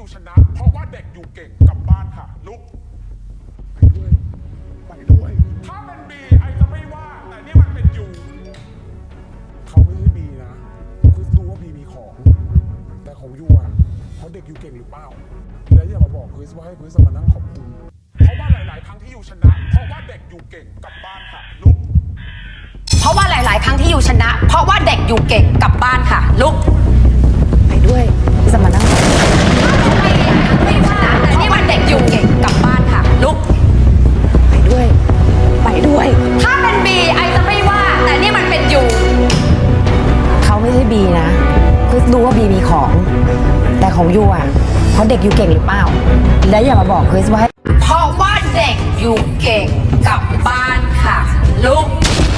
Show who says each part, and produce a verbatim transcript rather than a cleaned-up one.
Speaker 1: ชนะเพราะว่าเด็กอยู่เก่งกลับบ้านค่ะลุกไปด้วยไปด้วยถ้าเป็นบีไอจะไม่ว่าแต่นี่มันเป็นยูเขาไม่ใช่บีนะคือรู้ว่าบีมีของแต่ของยูอ่ะเพราะเด็กอยู่เก่งหรือเปล่าแล้วอย่ามาบอกคริสว่าให้คริสมานั่งขอบคุณเพราะว่าหลายๆครั้งที่ยูชนะเพราะว่าเด็กอยู่เก่งกลับบ้านค่ะลุก
Speaker 2: เพราะว่าหลาย ๆ ครั้งที่อยู่ชนะ เพราะว่าเด็กอยู่เก่งกลับบ้านค่ะลุกไปด้วยจะมานั่งไม่ชนะแต่นี่มันเด็กอยู่เก่งกลับบ้านค่ะลุกไปด้วยไปด้วยถ้าเป็นบีไอจะไม่ว่าแต่นี่มันเป็นยูเขาไม่ใช่บีนะคริสรู้ว่าบีมีของแต่ของยูอ่ะเพราะเด็กอยู่เก่งหรือเปล่าและอย่ามาบอกคริสว่าเพราะว่าเด็กอยู่เก่งกลับบ้านค่ะลุก